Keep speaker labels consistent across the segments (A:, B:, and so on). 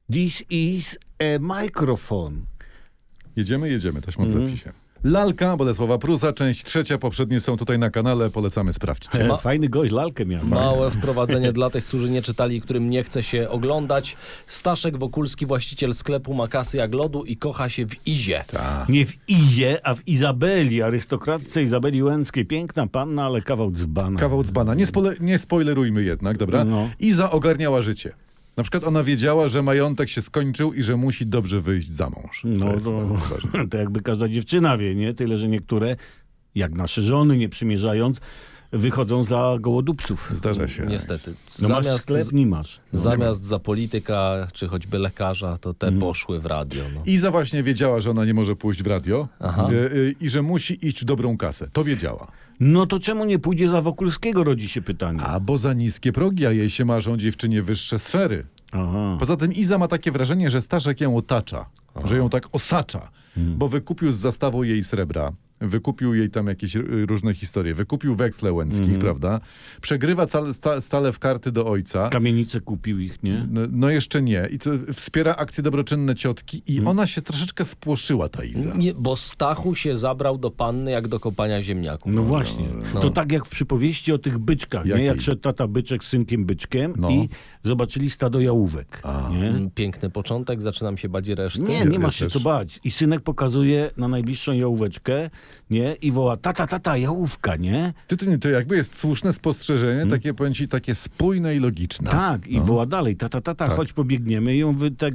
A: This is a microphone.
B: Jedziemy, taśma w zapisie. Lalka Bolesława Prusa, część 3. Poprzednie są tutaj na kanale, polecamy sprawdzić.
A: Fajny gość, lalkę miał.
C: Małe wprowadzenie dla tych, którzy nie czytali i którym nie chce się oglądać. Staszek Wokulski, właściciel sklepu, ma kasy jak lodu i kocha się w Izie.
A: Nie w Izie, a w Izabeli, arystokratce Izabeli Łęckiej. Piękna panna, ale kawał dzbana.
B: Kawał dzbana. Nie spoilerujmy jednak, dobra?
A: No.
B: Iza ogarniała życie. Na przykład ona wiedziała, że majątek się skończył i że musi dobrze wyjść za mąż.
A: No
B: jest bardzo ważne.
A: to jakby każda dziewczyna wie, nie? Tyle, że niektóre, jak nasze żony, nie przymierzając, wychodzą za gołodupców.
B: Zdarza się.
C: Niestety.
A: No masz sklep? Nie masz. No.
C: Zamiast za polityka, czy choćby lekarza, to te poszły w radio. No.
B: Iza właśnie wiedziała, że ona nie może pójść w radio i że musi iść w dobrą kasę. To wiedziała.
A: No to czemu nie pójdzie za Wokulskiego, rodzi się pytanie.
B: A bo za niskie progi, a jej się marzą dziewczynie wyższe sfery.
A: Aha.
B: Poza tym Iza ma takie wrażenie, że Staszek ją otacza, że ją tak osacza, bo wykupił z zastawą jej srebra, wykupił jej tam jakieś różne historie, wykupił weksle Łęckich, prawda? Przegrywa stale w karty do ojca.
A: Kamienice kupił ich, nie?
B: No jeszcze nie. I to wspiera akcje dobroczynne ciotki i ona się troszeczkę spłoszyła, ta Iza.
C: Nie, bo Stachu się zabrał do panny jak do kopania ziemniaków.
A: No właśnie.
C: No.
A: To tak jak w przypowieści o tych byczkach, nie?
B: Jakiej?
A: Jak szedł tata byczek z synkiem byczkiem
B: No.
A: i zobaczyli stado jałówek. Nie?
C: Piękny początek, zaczynam się bać reszty.
A: Nie
B: Ja
A: masz się
B: też.
A: co bać. I synek pokazuje na najbliższą jałóweczkę, nie? I woła, tata, jałówka, nie?
B: To jakby jest słuszne spostrzeżenie, takie, powiem ci, takie spójne i logiczne.
A: Tak, i woła dalej, tata, chodź pobiegniemy i ją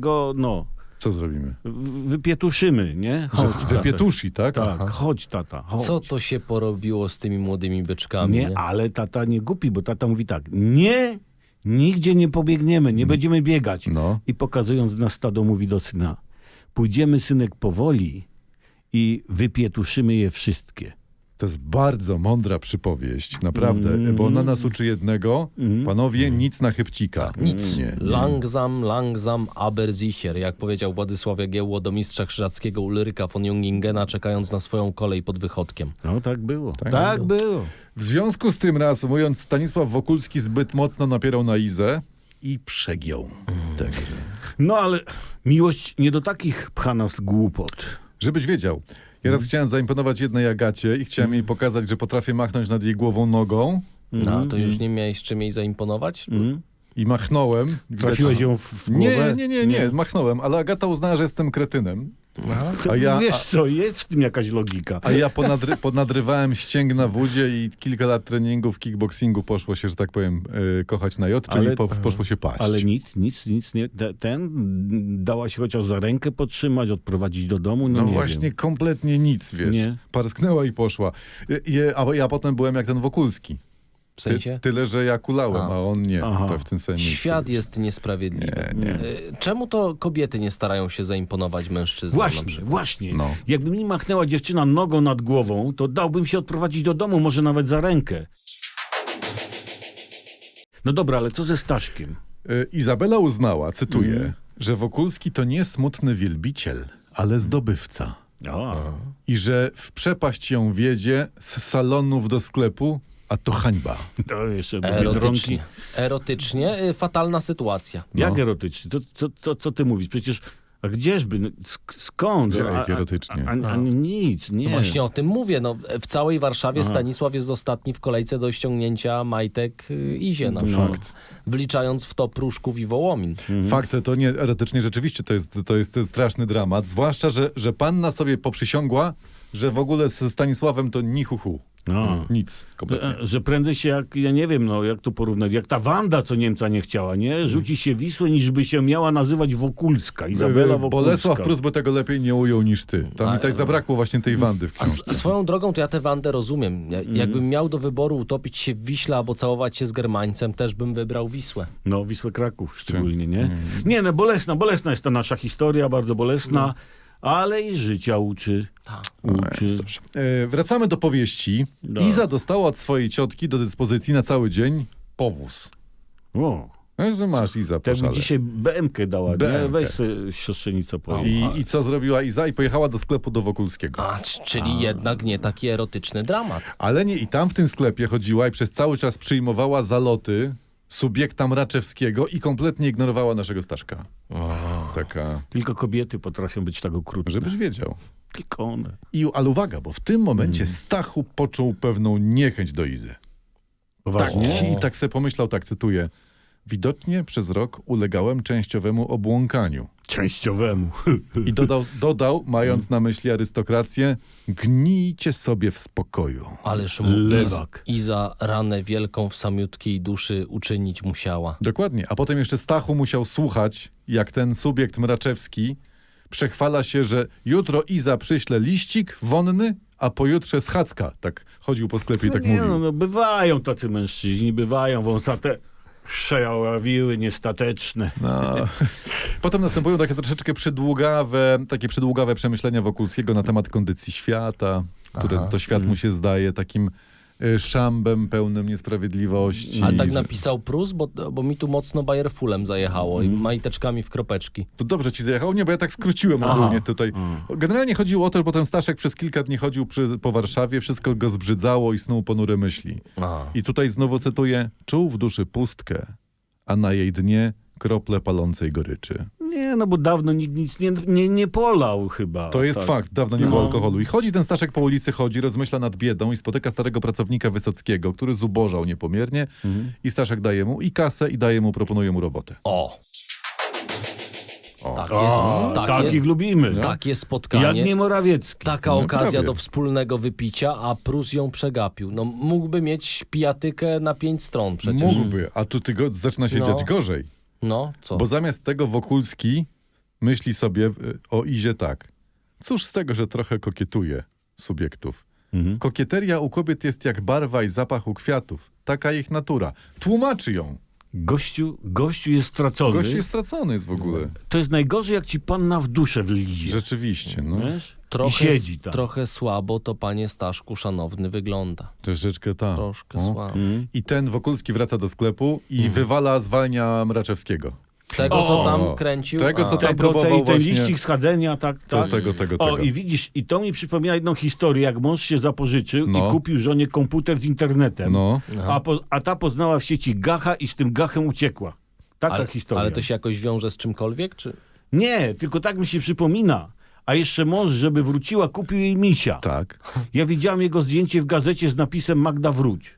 B: Co zrobimy?
A: wypietuszymy, nie?
B: Że
A: Chodź,
B: wypietuszy, tak?
A: Tak, chodź tata, chodź.
C: Co to się porobiło z tymi młodymi byczkami?
A: Nie, ale tata nie głupi, bo tata mówi tak, nie, nigdzie nie pobiegniemy, nie będziemy biegać.
B: No.
A: I pokazując na stado mówi do syna, pójdziemy synek powoli i wypietuszymy je wszystkie.
B: To jest bardzo mądra przypowieść, naprawdę, bo ona nas uczy jednego, panowie, nic na chybcika.
C: Nic.
B: Nie.
C: Langsam, aber sicher. Jak powiedział Władysław Jagiełło do mistrza krzyżackiego Ulryka von Jungingena, czekając na swoją kolej pod Wychodkiem.
A: No tak było, tak było.
B: W związku z tym, reasumując, Stanisław Wokulski zbyt mocno napierał na Izę i przegiął. Także.
A: No ale miłość nie do takich pcha nas głupot.
B: Żebyś wiedział, ja raz chciałem zaimponować jednej Agacie i chciałem jej pokazać, że potrafię machnąć nad jej głową nogą
C: No, to już nie miałeś czym jej zaimponować?
B: i machnąłem.
A: Trafiłeś ją w głowę?
B: Nie, machnąłem, ale Agata uznała, że jestem kretynem.
A: Wiesz co, jest w tym jakaś logika.
B: A ja ponadrywałem ścięgna w udzie i kilka lat treningów kickboxingu poszło się, że tak powiem, kochać na jod, czyli poszło się paść.
A: Ale nic nie. Dałaś chociaż za rękę podtrzymać, odprowadzić do domu? No nie
B: właśnie,
A: wiem.
B: kompletnie nic, wiesz.
A: Nie.
B: Parsknęła i poszła. A ja potem byłem jak ten Wokulski.
C: W sensie?
B: Tyle, że ja kulałem, a on nie.
A: Aha.
B: To w tym sensie.
C: Świat jest niesprawiedliwy.
B: Nie.
C: Czemu to kobiety nie starają się zaimponować mężczyznom? na przykład?
A: Właśnie.
B: No.
A: Jakby mi machnęła dziewczyna nogą nad głową, to dałbym się odprowadzić do domu, może nawet za rękę. No dobra, ale co ze Staszkiem?
B: Izabela uznała, cytuję, że Wokulski to nie smutny wielbiciel, ale zdobywca. I że w przepaść ją wiedzie z salonów do sklepu, a to hańba.
A: To jeszcze do Biedronki.
C: Erotycznie. Erotycznie fatalna sytuacja.
A: Jak erotycznie? Co ty mówisz? Przecież, a gdzieżby? No, skąd?
B: Jak erotycznie?
A: Nic, nie.
C: No właśnie o tym mówię. No, w całej Warszawie Stanisław jest ostatni w kolejce do ściągnięcia majtek Izie. Na przykład.
B: Fakt.
C: Wliczając w to Pruszków i Wołomin.
B: Fakt, to nie erotycznie rzeczywiście to jest straszny dramat. Zwłaszcza, że panna sobie poprzysiągła, że w ogóle ze Stanisławem to ni hu hu. Nic. Kompletnie.
A: Że prędzej się jak, ja nie wiem, no jak to porównać, jak ta Wanda, co Niemca nie chciała, nie? Rzuci się Wisłę, niż by się miała nazywać Wokulska, Izabela Wokulska.
B: Bolesław Prus by tego lepiej nie ujął niż ty. Tam mi tak zabrakło właśnie tej Wandy w książce.
C: Swoją drogą to ja tę Wandę rozumiem. Jakbym miał do wyboru utopić się w Wiśle albo całować się z Germańcem, też bym wybrał Wisłę.
A: No, Wisłę Kraków szczególnie, nie? Nie, no bolesna jest ta nasza historia, bardzo bolesna, ale i życia uczy. Uczy.
B: Wracamy do powieści. Iza dostała od swojej ciotki do dyspozycji na cały dzień powóz.
A: O,
B: Że masz, Iza,
A: tak by
B: poszale.
A: dzisiaj BM-kę dała, nie?
B: BM-kę.
A: Weź sobie siostrzenicę pojedź.
B: I co zrobiła Iza? I pojechała do sklepu do Wokulskiego.
C: Czyli jednak nie taki erotyczny dramat.
B: Ale nie, i tam w tym sklepie chodziła i przez cały czas przyjmowała zaloty subiekta Mraczewskiego i kompletnie ignorowała naszego Staszka. Taka,
A: Tylko kobiety potrafią być tak okrutne.
B: żebyś wiedział.
A: Tylko one.
B: Ale uwaga, bo w tym momencie Stachu poczuł pewną niechęć do Izy.
A: Poważnie?
B: I tak sobie pomyślał, tak cytuję, widocznie przez rok ulegałem częściowemu obłąkaniu.
A: Częściowemu.
B: I dodał, mając na myśli arystokrację, gnijcie sobie w spokoju.
C: Ależ mu
A: Lewak.
C: Iza ranę wielką w samiutkiej duszy uczynić musiała.
B: Dokładnie. A potem jeszcze Stachu musiał słuchać, jak ten subiekt Mraczewski przechwala się, że jutro Iza przyśle liścik wonny, a pojutrze schadzka. Tak chodził po sklepie i tak
A: nie,
B: mówił.
A: no, bywają tacy mężczyźni, bywają wąsate przejawiły niestateczne.
B: No. Potem następują takie troszeczkę przydługawe przemyślenia Wokulskiego na temat kondycji świata, które to świat mu się zdaje takim szambem pełnym niesprawiedliwości.
C: Ale tak napisał Prus, bo mi tu mocno Bayerfulem zajechało i majteczkami w kropeczki.
B: To dobrze ci zajechało? Nie, bo ja tak skróciłem ogólnie tutaj. Generalnie chodziło o to, że potem Staszek przez kilka dni chodził po Warszawie, wszystko go zbrzydzało i snuł ponure myśli. I tutaj znowu cytuję, czuł w duszy pustkę, a na jej dnie krople palącej goryczy.
A: Nie, no bo dawno nikt nic nie polał chyba.
B: To jest
A: tak.
B: fakt, dawno nie było alkoholu. I chodzi ten Staszek po ulicy, rozmyśla nad biedą i spotyka starego pracownika Wysockiego, który zubożał niepomiernie i Staszek daje mu i kasę i proponuje mu robotę.
C: Tak
A: O,
C: jest,
A: takich lubimy.
C: takie spotkanie.
A: Jak nie Morawiecki.
C: Taka
B: No,
C: okazja
B: prawie.
C: do wspólnego wypicia, a Prus ją przegapił. No mógłby mieć pijatykę na 5 stron przecież.
B: Mógłby, a tu zaczyna się dziać gorzej.
C: No, co?
B: Bo zamiast tego Wokulski myśli sobie o Izie tak. Cóż z tego, że trochę kokietuje subiektów. Kokieteria u kobiet jest jak barwa i zapach u kwiatów. Taka ich natura. Tłumaczy ją.
A: Gościu jest stracony.
B: Gość jest stracony jest w ogóle.
A: To jest najgorzej, jak ci panna w duszę wlizie.
B: Rzeczywiście, no.
A: Wiesz? I siedzi tam.
C: Trochę słabo to, panie Staszku, szanowny, wygląda.
B: Troszeczkę tak.
C: Troszkę
B: O.
C: słabo.
B: I ten Wokulski wraca do sklepu i zwalnia Mraczewskiego.
C: Tego, co tam kręcił.
B: Tego, co tam
A: Tego,
B: próbował
A: ten
B: właśnie.
A: liścik schadzenia, tak.
B: Tego.
A: I widzisz, i to mi przypomina jedną historię, jak mąż się zapożyczył
B: No.
A: i kupił żonie komputer z internetem,
B: No.
A: a ta poznała w sieci gacha i z tym gachem uciekła. Taka historia.
C: Ale to się jakoś wiąże z czymkolwiek, czy?
A: Nie, tylko tak mi się przypomina. A jeszcze mąż, żeby wróciła, kupił jej misia.
B: Tak.
A: Ja widziałem jego zdjęcie w gazecie z napisem Magda wróć.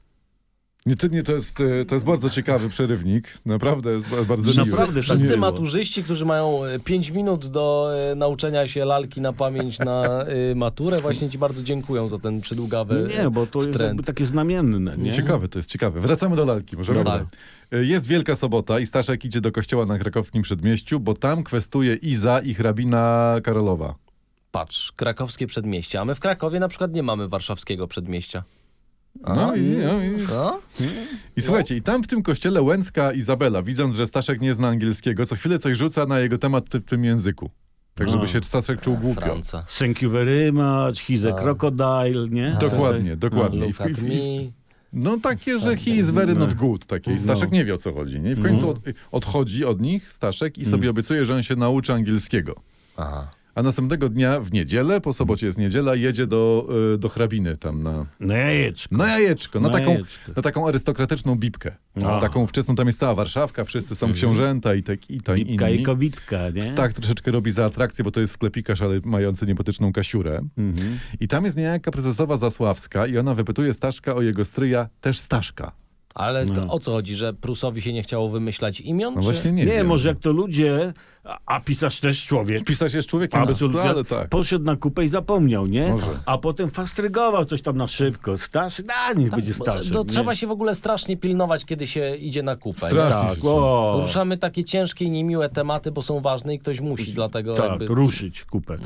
B: To jest bardzo ciekawy przerywnik. Naprawdę jest bardzo miły.
A: Naprawdę
C: Wszyscy
A: miło.
C: maturzyści, którzy mają 5 minut do nauczenia się lalki na pamięć na maturę, właśnie ci bardzo dziękują za ten przydługawy
A: Nie, bo to jest
C: trend.
A: jakby takie znamienne, nie?
B: Ciekawe, to jest ciekawe. Wracamy do lalki. Możemy?
C: Dobra.
B: Jest Wielka Sobota i Staszek idzie do kościoła na krakowskim przedmieściu, bo tam kwestuje Iza i hrabina Karolowa.
C: Patrz, krakowskie przedmieście, a my w Krakowie na przykład nie mamy warszawskiego przedmieścia.
B: No i
C: No?
B: słuchajcie, i tam w tym kościele Łęcka Izabela, widząc, że Staszek nie zna angielskiego, co chwilę coś rzuca na jego temat w tym języku. Tak, żeby się Staszek czuł głupio.
C: Franca.
A: Thank you very much, he's a crocodile, nie?
B: Dokładnie.
C: Look at me.
B: No takie, że he is very not good. Takie. I Staszek nie wie, o co chodzi. Nie? I w końcu odchodzi od nich Staszek i sobie obiecuje, że on się nauczy angielskiego.
C: Aha.
B: A następnego dnia w niedzielę, po sobocie jest niedziela, jedzie do hrabiny tam
A: Na jajeczko.
B: na jajeczko,
A: Na jajeczko.
B: na taką arystokratyczną bibkę.
A: A.
B: Taką wczesną, tam jest cała Warszawka, wszyscy są książęta i
A: Bibka i
B: inni.
A: kobitka, nie?
B: Tak troszeczkę robi za atrakcję, bo to jest sklepikarz, ale mający niebotyczną Kasiurę. I tam jest niejaka prezesowa Zasławska i ona wypytuje Staszka o jego stryja, też Staszka.
C: Ale to o co chodzi, że Prusowi się nie chciało wymyślać imion?
B: No
C: czy?
B: właśnie nie
A: Nie,
B: wiem.
A: może jak to ludzie, a pisarz też człowiek.
B: Pisarz jest człowiekiem,
A: Absolutnie.
B: ale tak.
A: Poszedł na kupę i zapomniał, nie?
B: Może.
A: A potem fastrygował coś tam na szybko. Staszek, niech będzie Staszek.
C: To
A: nie?
C: trzeba się w ogóle strasznie pilnować, kiedy się idzie na kupę. nie?
B: Strasznie.
A: Tak, o,
C: Ruszamy takie ciężkie i niemiłe tematy, bo są ważne i ktoś musi, dlatego
A: tak,
C: jakby...
A: ruszyć kupę.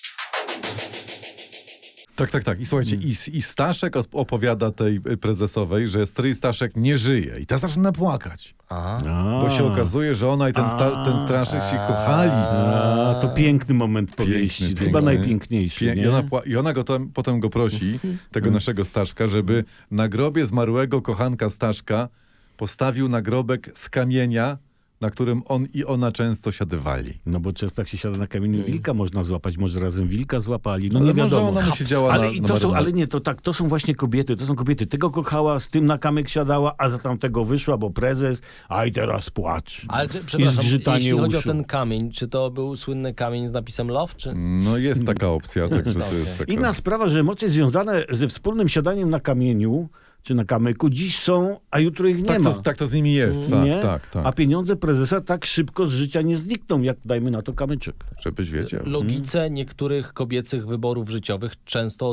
B: Tak. I słuchajcie, i Staszek opowiada tej prezesowej, że stryj Staszek nie żyje. I ta zaczyna płakać. Bo się okazuje, że ona i ten Staszek się kochali.
A: To piękny moment powieści.
B: Piękny,
A: Chyba
B: piękny.
A: najpiękniejszy, nie?
B: I ona potem go prosi, tego naszego Staszka, żeby na grobie zmarłego kochanka Staszka postawił nagrobek z kamienia na którym on i ona często siadywali.
A: No bo często jak się siada na kamieniu wilka można złapać, może razem wilka złapali, no
B: Ale
A: nie
B: może
A: wiadomo.
B: ona mu siedziała
A: ale,
B: na
A: i to są,
B: marynarce.
A: ale nie, to tak, to są właśnie kobiety, to są kobiety. Tego kochała, z tym na kamyk siadała, a za tamtego wyszła, bo prezes, a i teraz płacz.
C: Ale
A: I
C: przepraszam,
A: zgrzytanie
C: jeśli chodzi o
A: uszu.
C: ten kamień, czy to był słynny kamień z napisem Love, czy...
B: No jest taka opcja, także to jest taka...
A: Inna sprawa, że emocje związane ze wspólnym siadaniem na kamieniu, czy na kamyku, dziś są, a jutro ich nie
B: Tak
A: ma.
B: tak to z nimi jest, tak,
A: Nie?
B: tak, tak.
A: A pieniądze prezesa tak szybko z życia nie znikną, jak dajmy na to kamyczek.
B: Żebyś wiedział.
C: Logice niektórych kobiecych wyborów życiowych często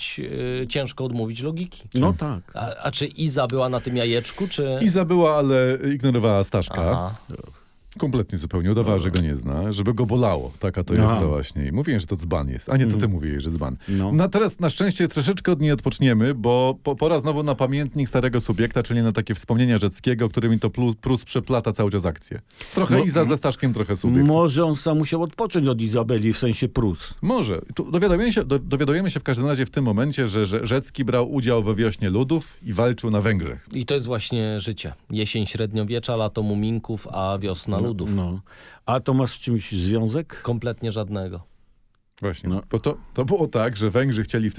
C: ciężko odmówić logiki.
A: No tak.
C: A czy Iza była na tym jajeczku, czy...
B: Iza była, ale ignorowała Staszka.
C: Aha.
B: Kompletnie zupełnie. Udawała, że go nie zna, żeby go bolało. Taka to jest
A: Aha.
B: to właśnie. I mówiłem, że to dzban jest. A nie, to ty mówiłeś, że dzban.
A: No.
B: No teraz na szczęście troszeczkę od niej odpoczniemy, bo pora znowu na pamiętnik starego subiekta, czyli na takie wspomnienia Rzeckiego, którymi to Prus przeplata cały czas akcję. Trochę
A: No,
B: Iza ze Staszkiem, trochę subiekt.
A: Może on sam musiał odpocząć od Izabeli, w sensie Prus.
B: Może. Tu dowiadujemy się w każdym razie w tym momencie, że Rzecki brał udział we wiośnie ludów i walczył na Węgrzech.
C: I to jest właśnie życie. Jesień średniowiecza, lato muminków, a wiosna ludów.
A: No. A to ma z czymś związek?
C: Kompletnie żadnego.
B: Właśnie.
A: No.
B: Bo to było tak, że Węgrzy chcieli w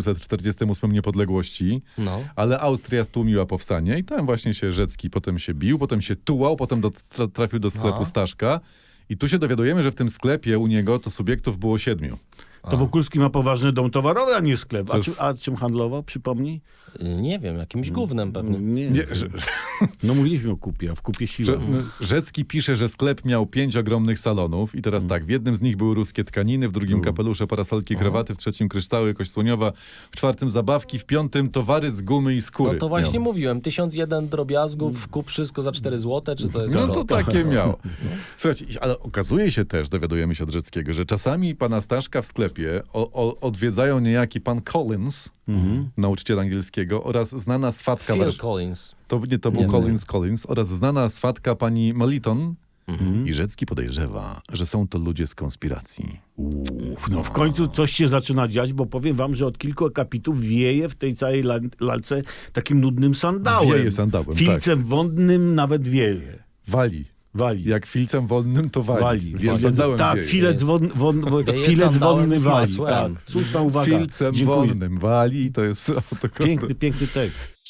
B: 1848 niepodległości,
C: No.
B: ale Austria stłumiła powstanie i tam właśnie się Rzecki potem się bił, potem się tułał, potem trafił do sklepu
C: No.
B: Staszka i tu się dowiadujemy, że w tym sklepie u niego to subiektów było 7.
A: To Wokulski ma poważny dom towarowy, a nie sklep.
B: To jest-
A: A czym handlował, przypomnij?
C: Nie wiem, jakimś gównem pewnie.
B: Nie,
A: No mówiliśmy o kupie, a w kupie siła.
B: Rzecki pisze, że sklep miał 5 ogromnych salonów i teraz tak, w jednym z nich były ruskie tkaniny, w drugim kapelusze, parasolki, krawaty, w trzecim kryształy, kość słoniowa, w czwartym zabawki, w piątym towary z gumy i skóry.
C: No to właśnie
B: miał.
C: mówiłem, 1001 drobiazgów, kup wszystko za 4 zł, czy to jest...
B: No to takie miał. Słuchajcie, ale okazuje się też, dowiadujemy się od Rzeckiego, że czasami pana Staszka w sklepie odwiedzają niejaki pan Collins, nauczyciel angielskiego, oraz znana swatka...
C: Phil Collins.
B: To był
C: Nie.
B: Collins oraz znana swatka pani Meliton. I Rzecki podejrzewa, że są to ludzie z konspiracji.
A: No w końcu coś się zaczyna dziać, bo powiem wam, że od kilku akapitów wieje w tej całej lalce takim nudnym sandałem.
B: Wieje sandałem,
A: Filcem wodnym nawet wieje.
B: Wali.
A: Wali.
B: Jak filcem wodnym, to wali.
A: Więc
B: Sandałem
A: tak,
B: wieje.
A: filec
C: Wieje
A: filec
C: sandałem
A: wodny
C: z
A: wali.
C: masłem.
A: Tak, słuszna uwaga.
B: Filcem
A: Dziękuję.
B: wodnym wali, to jest...
A: Piękny tekst.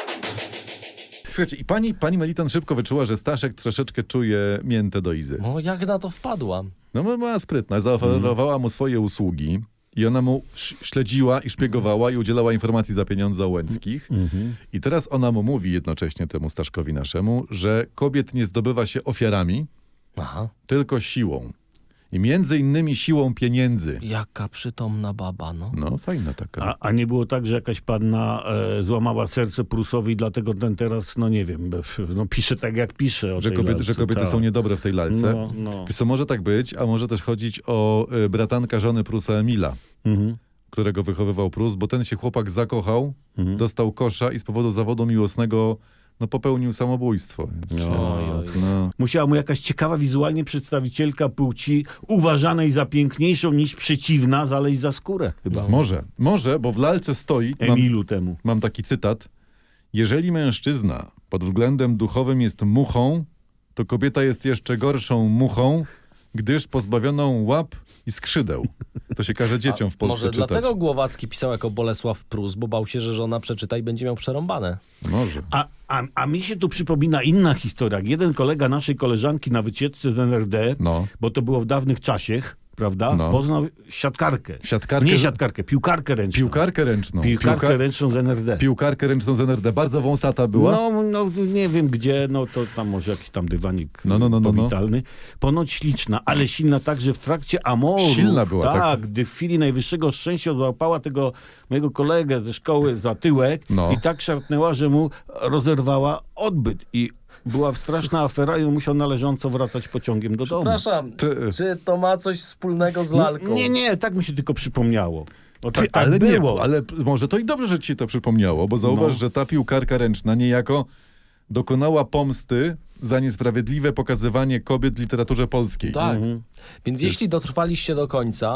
B: Słuchajcie, i pani Meliton szybko wyczuła, że Staszek troszeczkę czuje miętę do Izy.
C: No jak na to wpadłam?
B: No bo była sprytna, zaoferowała mu swoje usługi i ona mu śledziła i szpiegowała i udzielała informacji za pieniądze o Łęckich. I teraz ona mu mówi jednocześnie temu Staszkowi naszemu, że kobiet nie zdobywa się ofiarami,
C: Aha.
B: tylko siłą. I między innymi siłą pieniędzy.
C: Jaka przytomna baba, no.
B: No, fajna taka.
A: A nie było tak, że jakaś panna złamała serce Prusowi, dlatego ten teraz, no nie wiem, no pisze tak jak pisze o
B: Że
A: tej
B: kobiety,
A: lalce,
B: że kobiety
A: tak.
B: są niedobre w tej lalce.
A: No.
B: Wiesz co, może tak być, a może też chodzić o bratanka żony Prusa Emila, którego wychowywał Prus, bo ten się chłopak zakochał, dostał kosza i z powodu zawodu miłosnego popełnił samobójstwo. Więc
C: Oj.
A: Musiała mu jakaś ciekawa wizualnie przedstawicielka płci, uważanej za piękniejszą niż przeciwna, zaleźć za skórę chyba.
B: Może, bo w lalce stoi,
A: Emilu temu.
B: mam taki cytat, jeżeli mężczyzna pod względem duchowym jest muchą, to kobieta jest jeszcze gorszą muchą, gdyż pozbawioną łap i skrzydeł. To się każe dzieciom w Polsce
C: Może
B: czytać.
C: dlatego Głowacki pisał jako Bolesław Prus, bo bał się, że żona przeczyta i będzie miał przerąbane.
B: Może.
A: A mi się tu przypomina inna historia. Jak jeden kolega naszej koleżanki na wycieczce z NRD,
B: No.
A: bo to było w dawnych czasach, prawda?
B: No.
A: Poznał siatkarkę.
B: Siatkarkę,
A: Nie
B: że-
A: siatkarkę, piłkarkę ręczną.
B: Piłkarkę ręczną.
A: Piłkarkę ręczną z NRD.
B: Piłkarkę ręczną z NRD. Bardzo wąsata była.
A: No, nie wiem gdzie, no to tam może jakiś tam dywanik
B: No.
A: powitalny. Ponoć śliczna, ale silna tak, że w trakcie amoru,
B: Silna była, tak.
A: gdy w chwili najwyższego szczęścia złapała tego mojego kolegę ze szkoły za tyłek
B: No.
A: i tak szarpnęła, że mu rozerwała odbyt i była straszna afera i on musiał należąco wracać pociągiem do domu.
C: Przepraszam,
B: Ty-
C: czy to ma coś wspólnego z lalką?
A: Nie, tak mi się tylko przypomniało. O, tak,
B: ale
A: było.
B: nie, ale może to i dobrze, że ci się to przypomniało, bo zauważ,
A: No.
B: że ta piłkarka ręczna niejako dokonała pomsty za niesprawiedliwe pokazywanie kobiet w literaturze polskiej.
C: Tak. Więc jeśli dotrwaliście do końca,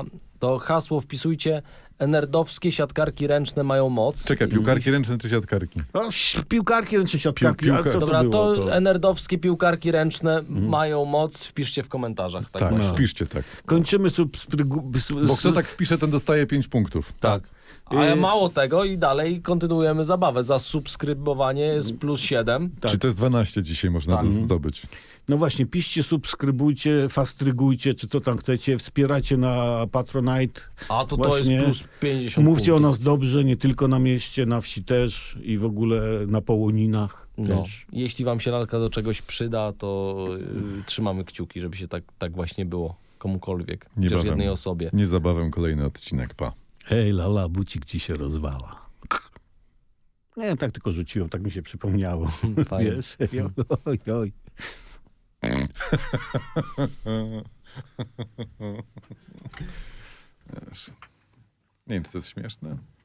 C: to hasło wpisujcie: nerdowskie siatkarki ręczne mają moc.
B: Czekaj, piłkarki ręczne czy siatkarki?
A: O, piłkarki czy siatkarki,
B: Piłka-
A: a co
C: Dobra,
A: to było?
C: to nerdowskie piłkarki ręczne mają moc. Wpiszcie w komentarzach. Tak,
B: Tak,
C: właśnie.
B: wpiszcie tak.
A: Kończymy
B: Bo kto tak wpisze, ten dostaje 5 punktów.
C: Tak. A mało tego i dalej kontynuujemy zabawę. Za subskrybowanie jest plus 7.
A: Tak.
B: Czyli to jest 12 dzisiaj można zdobyć.
A: No właśnie, piszcie, subskrybujcie, fastrygujcie, czy co tam chcecie, wspierajcie na Patronite.
C: A to
A: Właśnie.
C: jest plus 50
A: Mówcie o
C: punktów.
A: nas dobrze, nie tylko na mieście, na wsi też i w ogóle na Połoninach
C: No,
A: też.
C: jeśli wam się lalka do czegoś przyda, to trzymamy kciuki, żeby się tak właśnie było komukolwiek, chociaż
B: Niebawem.
C: jednej osobie.
B: Niezabawem kolejny odcinek, pa.
A: Hej, lala, bucik ci się rozwala. Nie, tak tylko rzuciłem, tak mi się przypomniało.
C: Fajnie.
A: Wiesz? Oj, oj.
B: Nie wiem, czy to jest śmieszne.